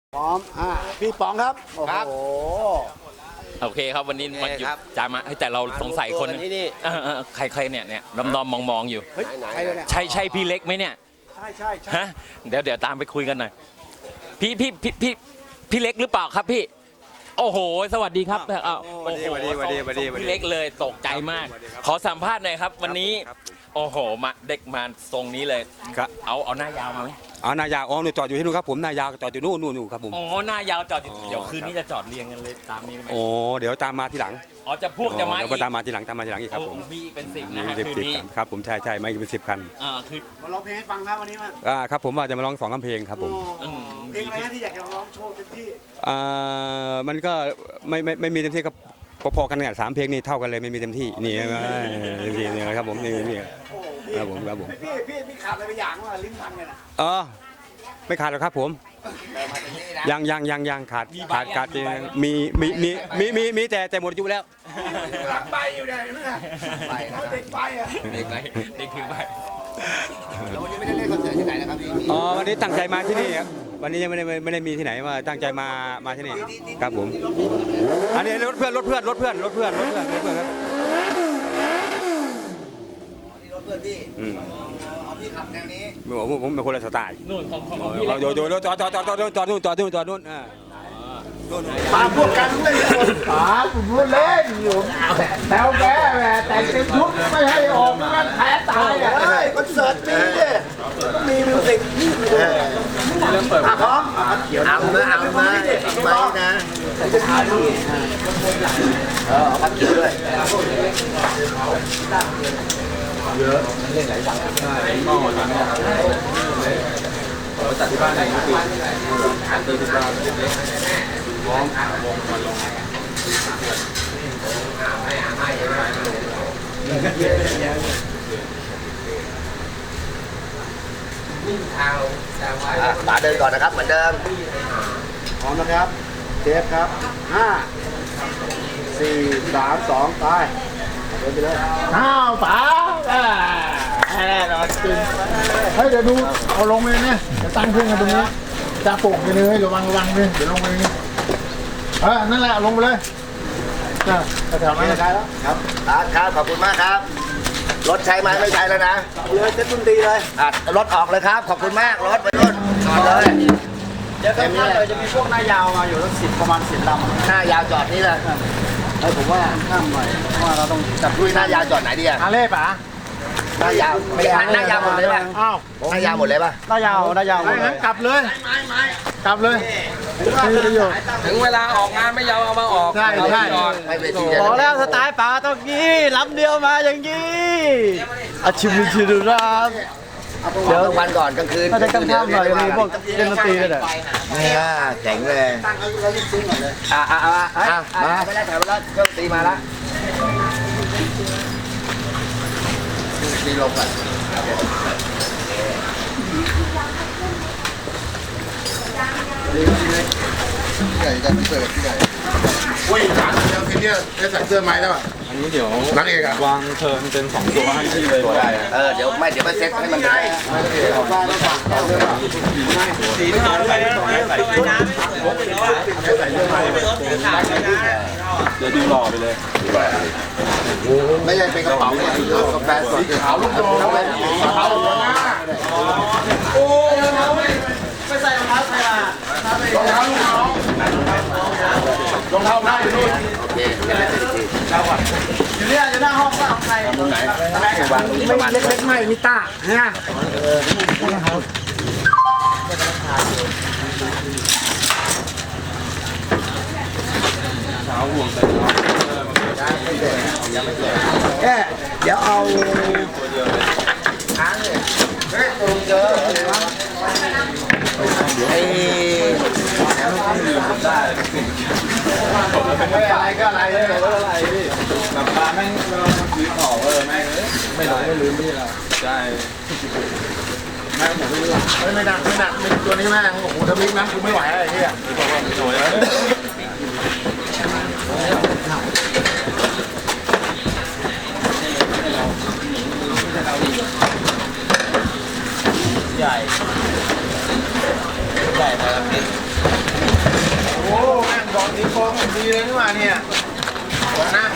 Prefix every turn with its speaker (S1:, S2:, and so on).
S1: พร้อมพี่ป๋องครับ
S2: ครับ
S3: โอเคครับวันนี้มันหยุดจามาแต่เราสงสัยคนใครเนี่ยดอมมองอยู่ใช่พี่เล็กไหมเนี่ย
S1: ใช่
S3: ฮะเดี๋ยวตามไปคุยกันหน่อยพี่เล็กหรือเปล่าครับพี่โอ้โหสวัสดีครับ
S2: วันดี
S3: พี่เล็กเลยตกใจมากขอสัมภาษณ์หน่อยครับวันนี้โอ้โหมาเด็กมาทรงนี้เลยเอาหน้ายาวมาไหม
S2: หน้ายาวหนูจอดอยู่ที่นู่นครับผมหน้ายาวจอดอยู่นู่นครับผม
S3: หน้ายาวจอดอยู่เดี๋ยวคืนนี้จะจอดเรียงกันเลยตามนี้ไหม
S2: เดี๋ยวตามมาทีหลัง
S3: จะพวกจะมา
S2: เดี๋ยวตามมาทีหลังอีกครับผม
S3: มีเป็น10นะฮะคืนนี้
S2: ครับผมใช่ไม่เป็น10 คัน
S3: คือ
S1: มาร้องเพลงให้ฟังครับวันนี้มา
S2: ครับผมว่าจะมาร้อง2 เพลงครับผม
S1: เพลงอะไรที่อยากจะร้องโชว์เต็มที่
S2: มันก็ไม่มีเต็มที่ก็พอๆกันเนี่ย3 เพลงนี่เท่ากันเลยไม่มีเต็มที่นี่นี่ครับผมนี่ครับผม
S1: พี่ขาดอะไรไปอย่างว่าลิ้นพันกัน
S2: ไม่ขาดหรอกครับผมยังขาดมีแต่หมดอายุแล้ว
S1: หลังใบอยู่เนี่ยเด็กใบ
S3: เด็กคือใบ
S1: แล้ววันนี้ไม่ได้เล่นคอนเสิร์ตที่ไหนนะครับ
S2: วันนี้ตั้งใจมาที่นี่ครับวันนี้ยังไม่ได้มีที่ไหนว่าตั้งใจมาที่นี่ครับผมอันนี้รถเพื่อนครับ
S1: รถเพื่อนพี่พี่ขับแนวนี้
S2: ผมเป็นคนละสไตล์
S3: นู่นของ
S2: โยจอดนู่น
S1: ปาพวกกันเล่นปาพูดเล่นอยู่แถวแกแต่งเต็มชุดไม่ให้ออกงั้นแพ้ตายคอนเสิร์ตมีต้องมีมิวสิกพร้อมเอามานะจะทานนี่พัดเกี่ยวด้วยเยอะเล่นหลายอย่างก็หมดแล้วเราจัดที่บ้านในปีอันเตอร์ที่บ้านเล็กๆวงมาลงป๋าเดินก่อนนะครับเหมือนเดิมพร้อมนะครับเทปครับ5 4 3 2ไปเดินไปเลยป๋าแน่นอนจริงเฮ้ยเดี๋ยวดูเอาลงเลยเนี่ยจะตั้งเครื่องกันตรงนี้จะปลุกกันเลยระวังเลยเดี๋ยวลงไปนี่นั่นแหละลงไปเลยแถวนั้นได้แล้วครับครับขอบคุณมากครับรถใช้ไหมไม่ใช้แล้วนะเลยเซ็ตดนตรีเลยรถออกเลยครับขอบคุณมากรถไปรุ่นจอดเลยเดี๋ยวข้างๆเลยจะมีพวกหน้ายาวมาอยู่ทั้ง10ประมาณ10 ลำหน้ายาวจอดนี่แหละผมว่าข้ามหน่อยเพราะว่าเราต้องจับด้วยหน้ายาวจอดไหนดีเล่ป๋าหน้ายาวไม่ใช่หน้ายาวหมดเลยป่ะหน้ายาวหมดเลยป่ะหน้ายาวงั้นกลับเลยกลับเลย
S4: ถึงเวลาออกงานไม่ยาวเอามาออก
S1: ใช่
S4: บอกแล้วสไตล์ป๋าต้องงี้ลำเดียวมาอย่างงี้อาชิมิชิรุราบ
S1: เดี๋ยววันก่อนกลางคืน
S4: ถ้าจะกำข้ามหน่อยมีพวกเล่นดนตรีด้วย
S1: เนี่ยเจ๋งเลยตั้งเรายิ่งซึ้งก่อนเลยมาไม่ได้ถ่ายไปแล้วเครื่องตีมาแล้วตีลงก่อนที่ใหญ่กันเสิร์ฟที่ใหญ่อุ้ยถามแล้วทีเนี้ยได้ใส่เสื้อไม้แล้วอ่ะ
S4: อันนี้เดี๋ยว
S1: นักเอก
S4: วางเทิร์นเป็น2 ตัวให้ที่เลย
S1: ตัวได้เดี๋ยวไปเซ็ตให้มันได้
S4: สีนอนไปใส่น้ำเดี๋ยวดูหล่อไปเลย
S1: ไม่ใช่เป็นกระเป๋าเนี่ยกาแฟสดขาวลูกโป่งขาวหัวหน้าโอ้ไม่ใส่รองเท้าใส่มารองเท้าลูกน้องรองเท้าหน้าอยู่นู่นโอเคอยู่เนี่ยอยู่หน้าห้องว่าของใครตรงไหนไม่เล็กๆไม่มีตาเนี่ย
S4: เช้าห่วงใส่
S1: เดี๋ยวเอาค้างเลยเฮ้ยตรงเจอไอ้อะไรก็อะไร
S4: พี่กลับมาแม่งซื้อของแม่งไม่ลืมพี่เราใช่
S1: แม่ผมไม่รู้ไม่หนักตัวนี้แม่โอ้โหทำมิกนะคุณไม่ไหวอะไรที่
S4: บอกว่าไม่ไหวใหญ่มาแล้วพี่
S1: ตีโค้งดีเลยนี่หว่าเนี่ยนะ